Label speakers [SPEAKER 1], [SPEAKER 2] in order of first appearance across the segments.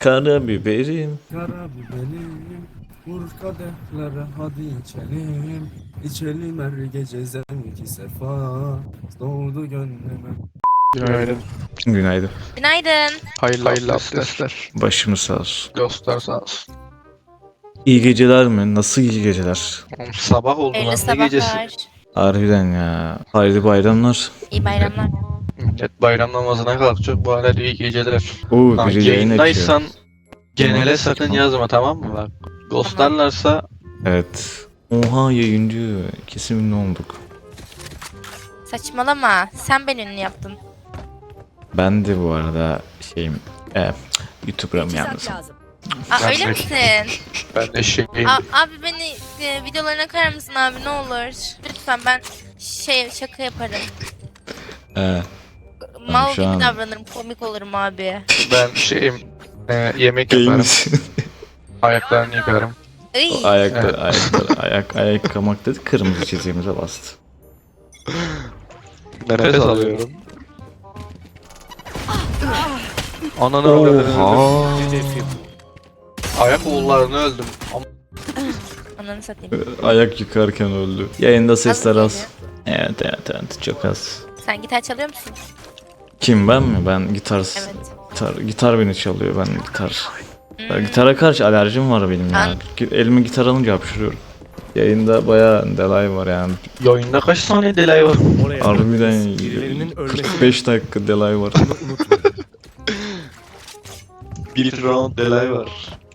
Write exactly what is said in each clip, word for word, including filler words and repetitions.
[SPEAKER 1] Karabiberim.
[SPEAKER 2] Karabiberim, vur kadehlere hadi içelim. İçelim her gece zevki sefa, doğdu gönlüme.
[SPEAKER 3] Günaydın.
[SPEAKER 1] Günaydın.
[SPEAKER 4] Günaydın.
[SPEAKER 3] Hayırlı, Hayırlı abdestler.
[SPEAKER 1] Başımız sağ olsun.
[SPEAKER 3] Dostlar sağ olsun.
[SPEAKER 1] İyi geceler mi? Nasıl iyi geceler?
[SPEAKER 3] Oğlum, sabah oldu
[SPEAKER 4] Hayırlı
[SPEAKER 3] lan, ne gecesi?
[SPEAKER 4] sabahlar.
[SPEAKER 1] Harbiden ya. Hayırlı bayramlar.
[SPEAKER 4] İyi bayramlar.
[SPEAKER 3] Millet bayram namazına kalkacak, bu hala iyi geceler.
[SPEAKER 1] Oo,
[SPEAKER 3] Ha,
[SPEAKER 1] biri yayın
[SPEAKER 3] yayındaysan
[SPEAKER 1] açıyor.
[SPEAKER 3] genele sakın yazma, tamam mı bak? Ghostlarlarsa
[SPEAKER 1] Evet. Oha, yayıncı. Kesin ünlü olduk.
[SPEAKER 4] Saçmalama. Sen beni ünlü yaptın.
[SPEAKER 1] Ben de bu arada şeyim. E, YouTuber'ım yalnız.
[SPEAKER 4] Aa,
[SPEAKER 3] Ben
[SPEAKER 4] öyle
[SPEAKER 3] de-
[SPEAKER 4] misin?
[SPEAKER 3] ben de şeyim.
[SPEAKER 4] Aa, abi beni e, videolarına koyar mısın abi ne olur? Lütfen ben şey şaka yaparım.
[SPEAKER 1] E,
[SPEAKER 4] Mal
[SPEAKER 1] şu
[SPEAKER 4] gibi
[SPEAKER 1] an-
[SPEAKER 4] davranırım. Komik olurum abi.
[SPEAKER 3] Ben şeyim. E, yemek
[SPEAKER 1] Değil
[SPEAKER 3] yaparım.
[SPEAKER 1] misin?
[SPEAKER 3] Ayaklarını yıkarım.
[SPEAKER 4] Iy.
[SPEAKER 1] O ayaklar,
[SPEAKER 3] Evet.
[SPEAKER 1] ayaklar, ayak, ayak kamak dedi. Kırmızı çizgimize bastı.
[SPEAKER 3] Nefes alıyorum. Ananı öldürdüm.
[SPEAKER 1] Oha.
[SPEAKER 3] Ayak oğullarını öldüm. Ama
[SPEAKER 4] Ananı satayım.
[SPEAKER 1] Ayak yıkarken öldü. Yayında sesler
[SPEAKER 4] Az
[SPEAKER 1] az. Evet evet evet, çok az.
[SPEAKER 4] Sen gitar çalıyor musun?
[SPEAKER 1] Kim, ben mi? Ben gitar,
[SPEAKER 4] Evet.
[SPEAKER 1] gitar, gitar beni çalıyor, ben gitar. Ya,
[SPEAKER 4] Hmm.
[SPEAKER 1] gitara karşı alerjim var benim ya.
[SPEAKER 4] An-
[SPEAKER 1] Gi- Elime gitar alınca hapşırıyorum. Yayında bayağı delay var yani.
[SPEAKER 3] yayında kaç saniye delay var?
[SPEAKER 1] Harbiden kırk beş dakika delay var.
[SPEAKER 3] Bir round delay var.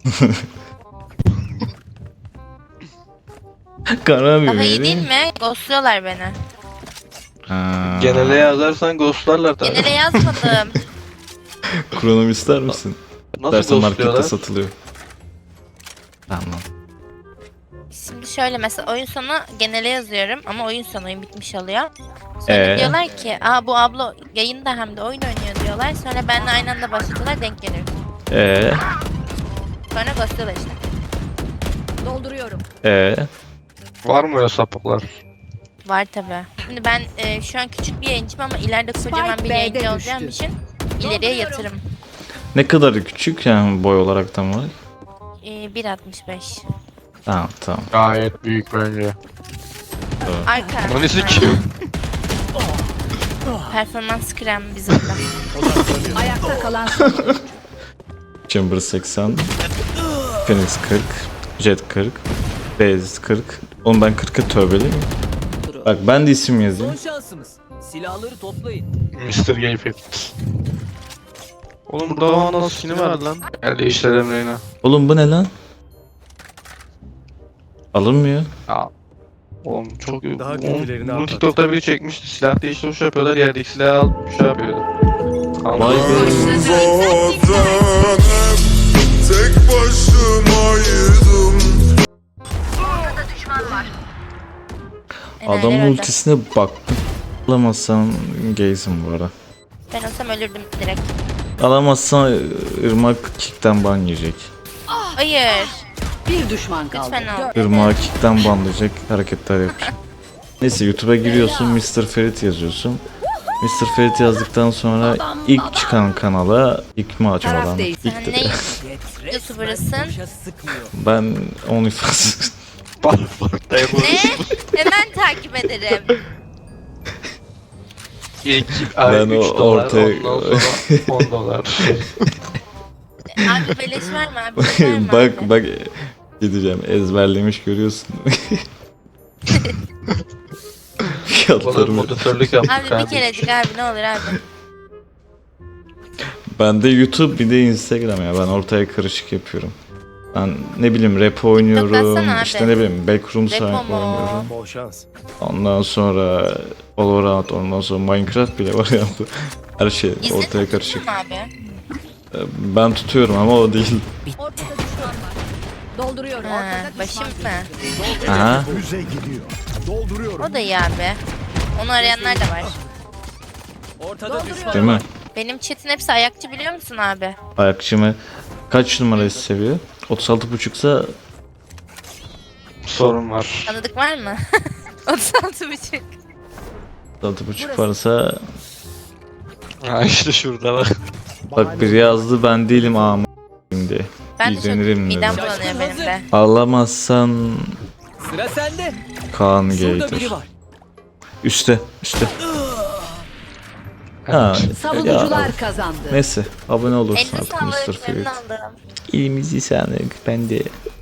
[SPEAKER 1] Kara bir
[SPEAKER 4] Daha iyi değil mi? Ghostluyorlar beni.
[SPEAKER 1] Ha.
[SPEAKER 3] Genele yazarsan ghostlarlar tabii.
[SPEAKER 4] Genele yazmadım.
[SPEAKER 1] Kronom ister misin?
[SPEAKER 3] Nasıl
[SPEAKER 1] Dersen markette
[SPEAKER 3] ghostluyorlar?
[SPEAKER 1] satılıyor. Tamam.
[SPEAKER 4] Şimdi şöyle mesela oyun sonu genele yazıyorum ama oyun sonu oyun bitmiş oluyor. Sonra
[SPEAKER 1] Ee?
[SPEAKER 4] diyorlar ki aa bu abla yayında hem de oyun oynuyor diyorlar. Sonra benimle aynı anda başlıyorlar denk geliyoruz.
[SPEAKER 1] Ee,
[SPEAKER 4] Sonra ghostluyorlar işte.
[SPEAKER 5] Dolduruyorum.
[SPEAKER 1] ee.
[SPEAKER 3] Var mı öyle sapıklar?
[SPEAKER 4] Var tabi. Şimdi ben e, şu an küçük bir yayıncıyım ama ileride kocaman bir
[SPEAKER 5] B'de
[SPEAKER 4] yayıncı
[SPEAKER 5] düştü.
[SPEAKER 4] olacağım için ileriye yatırım.
[SPEAKER 1] Ne kadar küçük yani boy olarak tam olarak?
[SPEAKER 4] E, bir altmış beş.
[SPEAKER 1] Tamam tamam.
[SPEAKER 3] Gayet büyük bence.
[SPEAKER 4] Arka.
[SPEAKER 3] Lan nesi ki?
[SPEAKER 4] Performans krem bizim de.
[SPEAKER 5] Ayakta kalan son oyuncu.
[SPEAKER 1] Chamber seksen, Phoenix kırk, Jet kırk, Blaze kırk. Oğlum ben kırka tövbeliyim. Bak ben de isim yazayım.
[SPEAKER 6] Son şansımız. Silahları toplayın.
[SPEAKER 3] mister Game Fit. Oğlum burada bana nasıl skin'i verdi lan? Gel değiştirelim Reyna.
[SPEAKER 1] Oğlum bu ne lan? Alınmıyor.
[SPEAKER 3] Ya. Oğlum çok iyi.
[SPEAKER 2] Daha
[SPEAKER 3] Oğlum,
[SPEAKER 2] kötülerini
[SPEAKER 3] bunu
[SPEAKER 2] anlat.
[SPEAKER 3] TikTok'ta biri çekmişti. Silah değiştiriş yapıyorlar. Yerdeki silahı alıp şey yapıyordu.
[SPEAKER 1] Vay be.
[SPEAKER 7] Zaten tek başımaydım.
[SPEAKER 4] Enayiler
[SPEAKER 1] Adamın
[SPEAKER 4] öldü.
[SPEAKER 1] ultisine baktım. Alamazsan gaysin bu ara.
[SPEAKER 4] Ben olsam ölürdüm direkt.
[SPEAKER 1] Alamazsan Irmak kickten ban yiyecek.
[SPEAKER 4] Hayır.
[SPEAKER 5] Bir düşman kaldı.
[SPEAKER 4] Lütfen al.
[SPEAKER 1] Irmak kickten banlayacak hareketler yapacak. Neyse YouTube'a giriyorsun, mister Ferit yazıyorsun. mister Ferit yazdıktan sonra ilk çıkan kanala ilk mi açmadan?
[SPEAKER 5] Taraf değil.
[SPEAKER 4] Sen
[SPEAKER 1] İlk de.
[SPEAKER 4] ne YouTuber'ısın?
[SPEAKER 6] Boşa sıkmıyor.
[SPEAKER 1] Ben OnlyFans.
[SPEAKER 3] Bak bak da yapalım.
[SPEAKER 4] Ne? Hemen takip ederim.
[SPEAKER 3] İlk ay
[SPEAKER 1] Ben
[SPEAKER 3] üç
[SPEAKER 1] o
[SPEAKER 3] dolar,
[SPEAKER 1] ortaya-
[SPEAKER 3] ondan sonra on dolar.
[SPEAKER 4] Abi beleş var mı abi? Beleş var mı
[SPEAKER 1] bak
[SPEAKER 4] abi?
[SPEAKER 1] bak gideceğim, ezberlemiş görüyorsun.
[SPEAKER 3] Oğlum
[SPEAKER 1] Fiyatlarımı.
[SPEAKER 3] moderatörlük yaptık.
[SPEAKER 4] Abi bir
[SPEAKER 3] kardeşim.
[SPEAKER 4] kerecik abi ne olur abi.
[SPEAKER 1] Ben de YouTube bir de Instagram ya, ben ortaya karışık yapıyorum. Ben ne bileyim rap oynuyorum,
[SPEAKER 4] atsana abi.
[SPEAKER 1] işte ne bileyim Backrooms
[SPEAKER 4] Repo mu?
[SPEAKER 1] oynuyorum.
[SPEAKER 2] Bol şans.
[SPEAKER 1] Ondan sonra Valorant, ondan sonra Minecraft bile var ya. Her şey
[SPEAKER 4] İzledin
[SPEAKER 1] ortaya
[SPEAKER 4] mi
[SPEAKER 1] karışık.
[SPEAKER 4] abi?
[SPEAKER 1] Ben tutuyorum ama o değil.
[SPEAKER 5] Ortada düşman var. Dolduruyorum.
[SPEAKER 4] Ha,
[SPEAKER 5] Ortada
[SPEAKER 4] başım
[SPEAKER 5] düşman.
[SPEAKER 4] mı?
[SPEAKER 1] Aha.
[SPEAKER 2] Füze gidiyor. Dolduruyorum.
[SPEAKER 4] O da iyi abi. Onu arayanlar da var.
[SPEAKER 6] Ortada düşman.
[SPEAKER 1] Değil mi?
[SPEAKER 4] Benim chat'in hepsi ayakçı biliyor musun abi?
[SPEAKER 1] Ayakçımı kaç numarayı seviyor? otuz altı buçuksa
[SPEAKER 3] Sorun var.
[SPEAKER 4] Tanıdık var mı? otuz altı buçuk.
[SPEAKER 1] otuz altı buçuk varsa
[SPEAKER 3] Ha işte şurada bak.
[SPEAKER 1] bak biri yazdı ben değilim ama Şimdi
[SPEAKER 4] Ben de çok
[SPEAKER 1] izlenirim
[SPEAKER 4] midem
[SPEAKER 1] dedim.
[SPEAKER 4] bulanıyor benim de.
[SPEAKER 1] Ağlamazsan
[SPEAKER 6] Sıra sende.
[SPEAKER 1] Kaan
[SPEAKER 6] Şurada
[SPEAKER 1] Gator.
[SPEAKER 6] biri var.
[SPEAKER 1] Üste, üste. Ha,
[SPEAKER 5] Savunucular
[SPEAKER 1] ya,
[SPEAKER 5] kazandı.
[SPEAKER 1] neyse abone olursun
[SPEAKER 4] Elini
[SPEAKER 1] artık mister
[SPEAKER 4] sağlık, memnun
[SPEAKER 1] Ferit.
[SPEAKER 4] oldum.
[SPEAKER 1] İlimizi sağlık ben de.